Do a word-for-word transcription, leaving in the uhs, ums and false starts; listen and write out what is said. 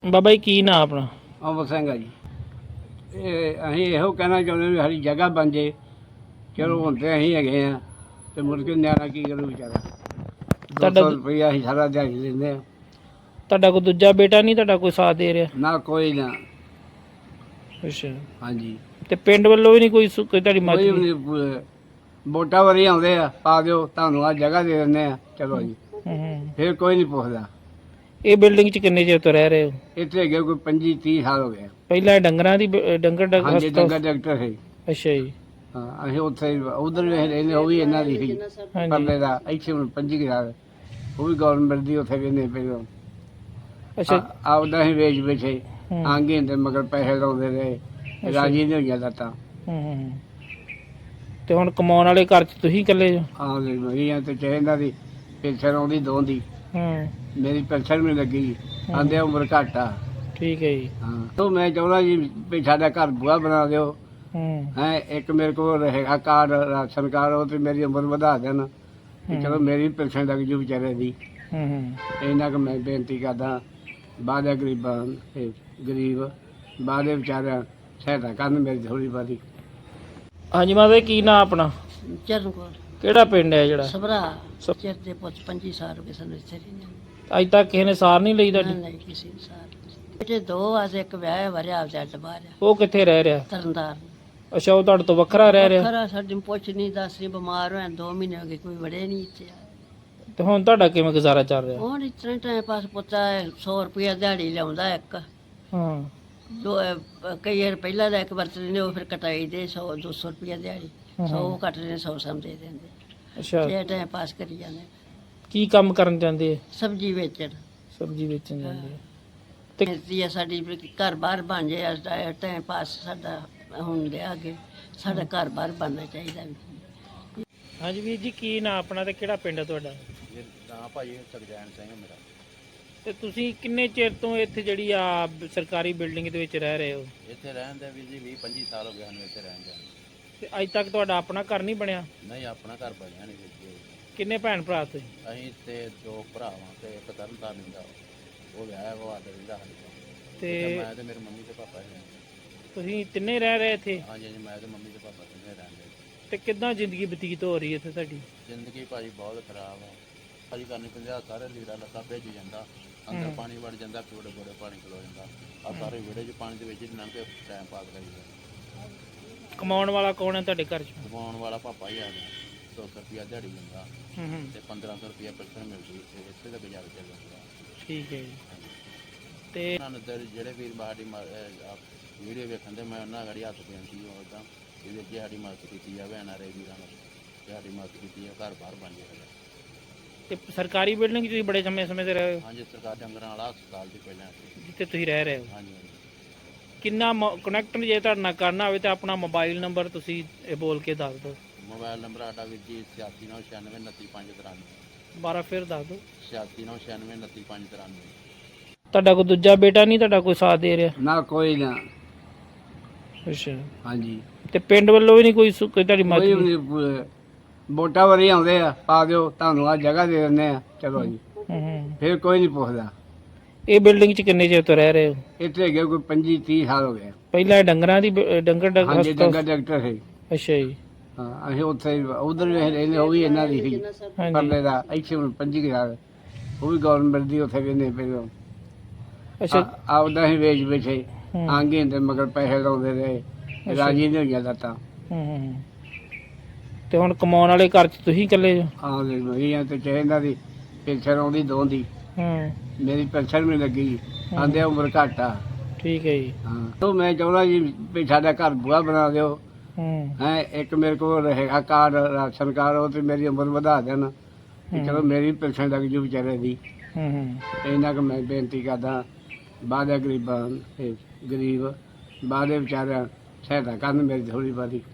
ਬਾਬਾ ਜੀ ਕੀ ਨਾਂ ਆਪਣਾ? ਅਮਰ ਸਿੰਘ ਆ ਜੀ। ਇਹ ਅਸੀਂ ਇਹੋ ਕਹਿਣਾ ਚਾਹੁੰਦੇ ਵੀ ਸਾਡੀ ਜਗ੍ਹਾ ਬਣ ਜੇ। ਚਲੋ ਹੁਣ ਤੇ ਅਸੀਂ ਹੈਗੇ ਆ ਤੇ ਮੁੜ ਕੇ ਨਿਆਣਾ ਕੀ ਕਰੂ ਵਿਚਾਰਾ। ਦੋ ਤੁਹਾਡਾ ਸੌ ਦੂ- ਰੁਪਈਆ ਅਸੀਂ ਸਾਰਾ ਦਿਹਾੜੀ ਲੈਂਦੇ ਆ। ਤੁਹਾਡਾ ਕੋਈ ਦੂਜਾ ਬੇਟਾ ਨਹੀਂ ਤੁਹਾਡਾ ਕੋਈ ਸਾਥ ਦੇ ਰਿਹਾ? ਨਾ ਕੋਈ ਨਾ। ਅੱਛਾ। ਹਾਂਜੀ ਤੇ ਪਿੰਡ ਵੱਲੋਂ ਵੀ ਨਹੀਂ ਕੋਈ ਸੁ- ਕੋਈ ਤੁਹਾਡੀ ਕੋਈ ਮਦਦ? ਵੀ ਨਹੀਂ। ਵੋਟਾਂ ਵਾਰੀ ਆਉਂਦੇ ਆ, ਪਾ ਦਿਓ ਤੁਹਾਨੂੰ ਆ ਜਗ੍ਹਾ ਦੇ ਦਿੰਦੇ ਆ, ਚਲੋ ਜੀ। ਹੂੰ ਹੂੰ। ਫਿਰ ਕੋਈ ਨਹੀਂ ਪੁੱਛਦਾ। ਇਹ ਬਿਲਡਿੰਗ 'ਚ ਕਿੰਨੇ ਚਿਰ ਤੋਂ ਰਹਿ ਰਹੇ ਹੋ? ਇੱਥੇ ਹੈਗੇ ਕੋਈ ਪੰਜੀ ਤੀਹ ਸਾਲ ਹੋ ਗਏ ਆ। ਪਹਿਲਾਂ ਇਹ ਡੰਗਰਾਂ ਦੀ ਬ- ਡੰਗਰ ਡੰਗ ਹਾਂਜੀ ਹਸਪਤਾਲ? ਡੰਗਰ ਡਾਕਟਰ ਸੀ। ਅੱਛਾ ਜੀ। ਹਾਂ ਅਸੀਂ ਉੱਥੇ ਉਧਰ ਵੀ ਰਹਿੰਦੇ, ਉਹ ਵੀ ਇਹਨਾਂ ਦੀ ਸੀ ਹਾਂਜੀ। ਪਰਲੇ ਦਾ। ਇੱਥੇ ਹੁਣ ਪੰਜੀ ਹਜ਼ਾਰ ਉਹ ਵੀ ਗਵਰਨਮੈਂਟ ਦੀ ਉੱਥੇ ਵੀ ਨਹੀਂ ਪਹਿਲਾਂ ਅੱਛਾ। ਆਪਦਾ ਹੀ ਵੇਚ ਵੇਚੇ ਹੂੰ ਆਂਗੇ ਹੁੰਦੇ ਮਗਰ ਪੈਸੇ ਲਾਉਂਦੇ ਰਹੇ। ਰਾਜੀ ਨਹੀਂ ਹੋਈਆਂ ਲੱਤਾਂ। ਹੂੰ ਹੂੰ। ਤੇ ਹੁਣ ਕਮਾਉਣ ਵਾਲੇ ਘਰ 'ਚ ਤੁਸੀਂ ਇਕੱਲੇ ਜੋ? ਆਉਂਦੇ ਮਹੀਆਂ ਤੇ ਚਾਹੀਦਾ ਦੀ ਪੈਨਸ਼ਨ ਆਉਂਦੀ ਦੋ ਦੀ। ਹੂੰ। ਮੇਰੀ ਪੈਨਸ਼ਨ ਵੀ ਲੱਗੀ। ਆਂਦੇ ਉਮਰ ਘੱਟ ਆ। ਠੀਕ ਹੈ ਜੀ। ਹਾਂ ਤੋਂ ਮੈਂ ਚਾਹੁੰਦਾ ਜੀ ਵੀ ਸਾਡਾ ਘਰ ਬੂਹਾ ਬਣਾ ਦਿਓ। ਹੂੰ ਹੈ ਇੱਕ ਮੇਰੇ ਕੋਲ ਰਹੇਗਾ ਕਾਰਡ, ਰਾਸ਼ਨ ਕਾਰਡ, ਉਹ ਤੇ ਮੇਰੀ ਉਮਰ ਵਧਾ ਦੇਣ ਤੇ ਚਲੋ ਮੇਰੀ ਪੈਨਸ਼ਨ ਲੱਗ ਜੂ ਵਿਚਾਰੇ ਦੀ। ਹੂੰ ਹੂੰ। ਇਹਨਾਂ ਕੁ ਮੈਂ ਬੇਨਤੀ ਕਰਦਾ ਬਾਦੇ ਗਰੀਬਾਂ ਤੇ ਗਰੀਬ ਬਾਦੇ ਵਿਚਾਰਿਆਂ ਸਹਾਇਤਾ ਕਰਨ ਮੇਰੀ ਥੋੜ੍ਹੀ ਬਾਦੀ। ਹਾਂਜੀ ਮਾਤਾ ਜੀ ਕੀ ਨਾਂ ਆਪਣਾ? ਚਰਨ ਕੋਲ ਕਿਹੜਾ ਪਿੰਡ ਹੈ ਜਿਹੜਾ? ਸਭਰਾ ਸਭ- ਚਿਰ ਦੇ ਪੁੱਤ ਪੰਜੀ ਸਾਲ ਹੋ ਗਏ ਸਾਨੂੰ ਇੱਥੇ ਰਹਿੰਦੇ ਨੂੰ। ਅੱਜ ਤੱਕ ਕਿਸੇ ਨੇ ਸਾਰ ਨਹੀਂ ਲਈ ਨਾ ਤੁਹਾਡੀ? ਨਹੀਂ ਕਿਸੇ ਨੂੰ ਸਾਰ ਬੇਟੇ ਦੋ ਆਸੇ ਇੱਕ ਵਿਆਹ ਵਰਿਆ ਆਪਦਾ ਅੱਡ ਬਾਹਰ ਆ ਉਹ ਕਿੱਥੇ ਰਹਿ ਰਿਹਾ? ਤਰਨਦਾਰ ਅੱਛਾ ਉਹ ਤੁਹਾਡੇ ਤੋਂ ਵੱਖਰਾ ਰਹਿ ਰਿਹਾ? ਖਰਾ ਸਾਡੀ ਨੂੰ ਪੁੱਛ ਨਹੀਂ ਦੱਸ ਨਹੀਂ ਬਿਮਾਰ ਹੋਇਆ ਦੋ ਮਹੀਨੇ ਹੋ ਗਏ ਕੋਈ ਵੜੇ ਨਹੀਂ ਇੱਥੇ ਆ। ਤੇ ਹੁਣ ਤੁਹਾਡਾ ਕਿਵੇਂ ਗੁਜ਼ਾਰਾ ਚੱਲ ਰਿਹਾ? ਹੁਣ ਇਸ ਤਰ੍ਹਾਂ ਟਾਈਮ ਪਾਸ ਪੁੱਤਾ ਸੌ ਰੁਪਇਆ ਦਿਹਾੜੀ ਲਿਆਉਂਦਾ ਇੱਕ ਹਾਂ। ਦੋ ਅਹ, ਕਈ ਵਾਰ ਪਹਿਲਾਂ ਦਾ ਇੱਕ ਵਰਤਦੇ ਨੇ ਉਹ ਫਿਰ ਕਟਾਈ ਦੇ ਸੌ ਦੋ ਸੌ ਰੁਪਇਆ ਦਿਹਾੜੀ ਸੌ ਕੱਟਦੇ ਨੇ ਸੌ ਸਮ ਦੇ ਦਿੰਦੇ ਅੱਛਾ। ਇਹ ਟਾਈਮ ਪਾਸ ਕਰੀ ਜਾਂਦੇ ਕੀ ਕੰਮ ਕਰਨ ਜਾਂਦੇ? ਸਬਜ਼ੀ ਵੇਚਣ ਸਬਜ਼ੀ ਵੇਚਣ ਜਾਂਦੇ ਆ। ਤੇ ਆ ਸਾਡੀ ਵੀ ਘਰ ਬਾਹਰ ਬਣ ਜਾਏ ਅੱਜ ਦਾ ਟਾਈਮ ਪਾਸ ਸਾਡਾ ਹੁਣ ਲਿਆ ਅੱਗੇ ਸਾਡਾ ਘਰ ਬਾਹਰ ਬਣਨਾ ਚਾਹੀਦਾ ਵੀ। ਹਾਂਜੀ ਵੀਰ ਜੀ ਕੀ ਨਾਂ ਆਪਣਾ ਤੇ ਕਿਹੜਾ ਪਿੰਡ ਹੈ ਤੁਹਾਡਾ? ਨਾ ਭਾਈ ਸੁਖਜੈਨ ਸਿੰਘ ਮੇਰਾ। ਤੇ ਤੁਸੀਂ ਕਿੰਨੇ ਚਿਰ ਤੋਂ ਇੱਥੇ ਜਿਹੜੀ ਆ ਸਰਕਾਰੀ ਬਿਲਡਿੰਗ ਦੇ ਵਿੱਚ ਰਹਿ ਰਹੇ ਹੋ? ਇੱਥੇ ਰਹਿਣ ਦੇ ਵੀ ਜੀ ਵੀਹ ਪੰਜੀ ਸਾਲ ਹੋ ਗਏ ਸਾਨੂੰ ਇੱਥੇ ਰਹਿਣ ਦੇ। ਤੇ ਅੱਜ ਤੱਕ ਤੁਹਾਡਾ ਆਪਣਾ ਘਰ ਨਹੀਂ ਬਣਿਆ? ਨਹੀਂ ਆਪਣਾ ਘਰ ਬਣਿਆ ਨਹੀਂ ਜੀ। ਕਿੰਨੇ ਭੈਣ ਭਰਾ ਤੁਸੀਂ? ਅਸੀਂ ਤੇ ਦੋ ਭਰਾ ਵਾਂ ਤੇ ਇੱਕ ਤਰਨਤਾਰਨ ਦਾ ਉਹ ਵਿਆਹ ਉਹ ਆਦਰ ਰਹਿੰਦਾ ਸਾਡੇ ਕੋਲ। ਤੇ ਮੈਂ ਤੇ ਮੇਰੇ ਮੰਮੀ ਤੇ ਪਾਪਾ ਜੀ। ਤੁਸੀਂ ਤਿੰਨੇ ਰਹਿ ਰਹੇ ਇੱਥੇ? ਹਾਂਜੀ ਹਾਂਜੀ ਮੈਂ ਤੇ ਮੰਮੀ ਤੇ ਪਾਪਾ ਤਿੰਨੇ ਰਹਿੰਦੇ। ਤੇ ਕਿੱਦਾਂ ਜ਼ਿੰਦਗੀ ਬਤੀਤ ਹੋ ਰਹੀ ਹੈ ਇੱਥੇ ਤੁਹਾਡੀ? ਜ਼ਿੰਦਗੀ ਭਾਜੀ ਬਹੁਤ ਖਰਾਬ ਆ। ਭਾਜੀ ਕਰਨੀ ਪੰਜਾਹ ਸਾਰੇ ਲੀੜਾ ਲੱਤਾ ਭੇਜ ਜਾਂਦਾ। ਅੰਦਰ ਹੂੰ। ਪਾਣੀ ਵੜ ਜਾਂਦਾ, ਕੋੜੇ ਕੋੜੇ ਪਾਣੀ ਖਲੋ ਜਾਂਦਾ। ਆ ਸਾਰੇ ਵਿਹੜੇ 'ਚ ਪਾਣੀ ਦੇ ਵਿੱਚ ਹੀ ਲੰਘ ਕੇ ਟਾਈਮ ਪਾਸ ਕਰੀਦਾ। ਕਮਾਉਣ ਵਾਲਾ ਕੌਣ ਹੈ ਤੁਹਾਡੇ ਘਰ 'ਚ? ਕਮਾਉਣ ਵਾਲਾ ਪਾਪਾ ਹੀ ਆ ਗਿਆ। ਸੌ ਰੁਪਇਆ ਦਿਹਾੜੀ ਦਿੰਦਾ ਹੂੰ ਹੂੰ। ਤੇ ਪੰਦਰਾਂ ਸੌ ਰੁਪਇਆ ਪੈਨਸ਼ਨ ਮਿਲਦੀ ਤੇ ਇੱਥੇ ਦਾ ਗੁਜ਼ਾਰਾ ਚੱਲ ਜਾਂਦਾ। ਠੀਕ ਹੈ ਜੀ। ਤੇ ਉਹਨਾਂ ਨੂੰ ਤੇ ਜਿਹੜੇ ਵੀਰ ਸਾਡੀ ਵੀਡੀਓ ਵੇਖਣ ਦੇ ਮੈਂ ਉਹਨਾਂ ਗੜੀ ਹੱਥ ਬੇਨਤੀ ਉਹਦਾ ਇਹਦੇ ਅੱਗੇ ਸਾਡੀ ਮਦਦ ਕੀਤੀ ਜਾਵੇ। ਐਨ ਆਰ ਆਈ ਵੀਰਾਂ ਨੂੰ ਸਾਡੀ ਮਦਦ ਕੀਤੀ ਹੈ, ਘਰ ਬਾਹਰ ਬਣ ਜਾਏ। ਤੇ ਸਰਕਾਰੀ ਬਿਲਡਿੰਗ 'ਚ ਤੁਸੀਂ ਬੜੇ ਸਮੇਂ ਸਮੇਂ ਤੇ ਰਹੇ ਹੋ ਹਾਂਜੀ ਸਰਕਾਰ ਡੰਗਰਾਂ ਵਾਲਾ ਹਸਪਤਾਲ ਦੀ ਪਹਿਲਾਂ ਸੀ। ਜਿੱਥੇ ਤੁਸੀਂ ਰਹਿ ਰਹੇ ਹੋ? ਹਾਂਜੀ ਹਾਂਜੀ ਕਿੰਨਾ ਕਨੈਕਟ ਜੇ ਤੁਹਾਡੇ ਨਾਲ ਕਰਨਾ ਹੋਵੇ ਤਾਂ ਆਪਣਾ ਮੋਬਾਈਲ ਨੰਬਰ ਤੁਸੀਂ ਇਹ ਬੋਲ ਕੇ ਦੱਸ ਦਿਓ। ਮੋਬਾਈਲ ਨੰਬਰ ਸਾਡਾ ਵੀਰ ਜੀ ਛਿਆਸੀ ਨੌ ਛਿਆਨਵੇਂ ਉਨੱਤੀ ਪੰਜ ਤਰਾਨਵੇਂ। ਦੁਬਾਰਾ ਫਿਰ ਦੱਸ ਦਿਓ। ਛਿਆਸੀ ਨੌ ਛਿਆਨਵੇਂ ਉਨੱਤੀ ਪੰਜ ਤਰਾਨਵੇਂ। ਤੁਹਾਡਾ ਕੋਈ ਦੂਜਾ ਬੇਟਾ ਨਹੀਂ ਤੁਹਾਡਾ ਕੋਈ ਸਾਥ ਦੇ ਰਿਹਾ? ਨਾ ਕੋਈ ਨਾ। ਅੱਛਾ। ਹਾਂਜੀ ਤੇ ਪਿੰਡ ਵੱਲੋਂ ਵੀ ਨਹੀਂ ਕੋਈ ਸੁ- ਕੋਈ ਤੁਹਾਡੀ ਕੋਈ ਮਦਦ? ਵੀ ਨਹੀਂ। ਵੋਟਾਂ ਵਾਰੀ ਆਉਂਦੇ ਆ, ਪਾ ਦਿਓ ਤੁਹਾਨੂੰ ਆ ਜਗ੍ਹਾ ਦੇ ਦਿੰਦੇ ਆ, ਚਲੋ ਜੀ। ਹੂੰ ਹੂੰ। ਫਿਰ ਕੋਈ ਨਹੀਂ ਪੁੱਛਦਾ। ਇਹ ਬਿਲਡਿੰਗ 'ਚ ਕਿੰਨੇ ਚਿਰ ਤੋਂ ਰਹਿ ਰਹੇ ਹੋ? ਇੱਥੇ ਹੈਗੇ ਕੋਈ ਪੰਜੀ ਤੀਹ ਸਾਲ ਹੋ ਗਏ। ਪਹਿਲਾਂ ਇਹ ਡੰਗਰਾਂ ਦੀ ਬ- ਡੰਗਰ ਡੰਗ ਹਾਂਜੀ ਹਸਪਤਾਲ? ਡੰਗਰ ਡਾਕਟਰ ਸੀ। ਅੱਛਾ ਜੀ। ਹਾਂ ਅਸੀਂ ਉੱਥੇ ਉਧਰ ਵੀ ਰਹਿੰਦੇ, ਉਹ ਵੀ ਇਹਨਾਂ ਦੀ ਸੀ ਹਾਂਜੀ। ਪਰਲੇ ਦਾ। ਇੱਥੇ ਹੁਣ ਪੰਜੀ ਹਜ਼ਾਰ ਉਹ ਵੀ ਗਵਰਨਮੈਂਟ ਦੀ ਉੱਥੇ ਵੀ ਨਹੀਂ ਪਹਿਲਾਂ ਅੱਛਾ। ਆਪਦਾ ਹੀ ਵੇਚ ਵੇਚੇ ਹੂੰ ਆਂਗੇ ਹੁੰਦੇ ਮਗਰ ਪੈਸੇ ਲਾਉਂਦੇ ਰਹੇ। ਰਾਜੀ ਨਹੀਂ ਹੋਈਆਂ ਲੱਤਾਂ। ਹੂੰ ਹੂੰ। ਤੇ ਹੁਣ ਕਮਾਉਣ ਵਾਲੇ ਘਰ 'ਚ ਤੁਸੀਂ ਇਕੱਲੇ ਜੋ? ਆਉਂਦੇ ਮਹੀਆਂ ਤੇ ਚਾਹੀਦਾ ਦੀ ਪੈਨਸ਼ਨ ਆਉਂਦੀ ਦੋ ਦੀ। ਹੂੰ। ਮੇਰੀ ਪੈਨਸ਼ਨ ਵੀ ਲੱਗੀ। ਆਂਦੇ ਉਮਰ ਘੱਟ ਆ। ਠੀਕ ਹੈ ਜੀ। ਹਾਂ ਤੋਂ ਮੈਂ ਚਾਹੁੰਦਾ ਜੀ ਵੀ ਸਾਡਾ ਘਰ ਬੂਹਾ ਬਣਾ ਦਿਓ। ਹੂੰ ਹੈ ਇੱਕ ਮੇਰੇ ਕੋਲ ਰਹੇਗਾ ਕਾਰਡ, ਰਾਸ਼ਨ ਕਾਰਡ, ਉਹ ਤੇ ਮੇਰੀ ਉਮਰ ਵਧਾ ਦੇਣ ਤੇ ਚਲੋ ਮੇਰੀ ਪੈਨਸ਼ਨ ਲੱਗ ਜੂ ਵਿਚਾਰੇ ਦੀ। ਹੂੰ ਹੂੰ। ਇਹਨਾਂ ਕੁ ਮੈਂ ਬੇਨਤੀ ਕਰਦਾ ਬਾਦੇ ਗਰੀਬਾਂ ਤੇ ਗਰੀਬ ਬਾਦੇ ਵਿਚਾਰਿਆਂ ਸਹਾਇਤਾ ਕਰਨ ਮੇਰੀ ਥੋੜ੍ਹੀ ਬਾਦੀ।